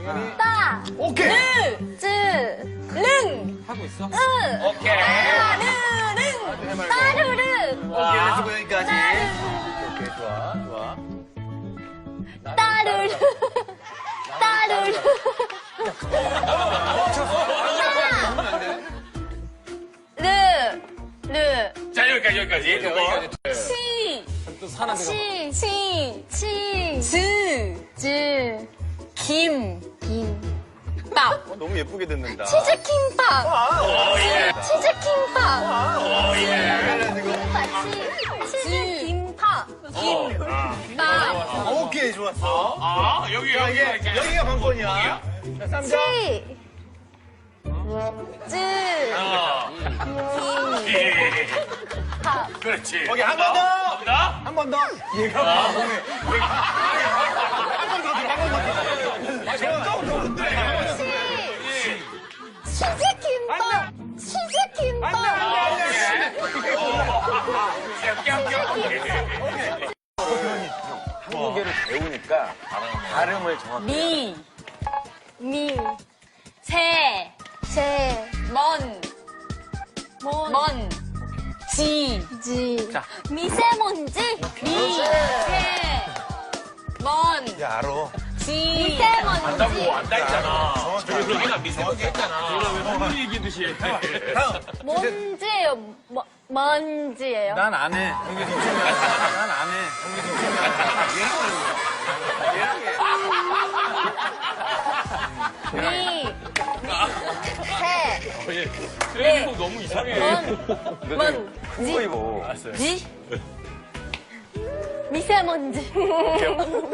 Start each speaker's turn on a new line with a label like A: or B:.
A: 당연히.
B: 따,
A: 오케이.
B: 르, 즈, 릉,
C: 하고 있어?
B: 으,
D: 오케이.
B: 따르릉, 따르릉,
A: 오케이, 렛츠고 여기까지.
B: 따르릉,
A: 오케이, 좋아, 좋아.
B: 따르릉, 따르릉. 르,
D: 자, 여기까지.
B: 시,
C: 또 사나 들어.
B: 치, 즈, 김, 밥.
A: 너무 예쁘게 듣는다.
B: 치즈김밥.
D: 예.
B: 치즈김밥.
A: 지금.
B: 치즈김밥. 김밥.
A: 오케이, 좋았어.
D: 아, 여기가 이제.
A: 여기가 관건이야. 자, 쌈장.
B: 치. 즈.
D: 예.
B: 밥.
D: 그렇지.
A: 오케이, 한 번 더.
D: 갑니다.
A: 한 번 더. 얘가 몸에.
B: 치즈김밥. 치즈김밥.
A: 한국어를 배우니까 발음을 정확히.
B: 미, 새, 먼, 지,
C: 자.
B: 미세먼지,
A: 야, 알아.
B: 미세먼지,
D: 안다 했잖아. 그러기나 미세먼지 했잖아.
C: 선물 얘기듯이.
B: 먼지예요, 먼지예요.
C: 난 안 해. 난 안 해.
B: 미, 새,
D: 트레이닝복 너무 이상해.
B: 먼지,
A: 이거.
B: 지, 미세먼지.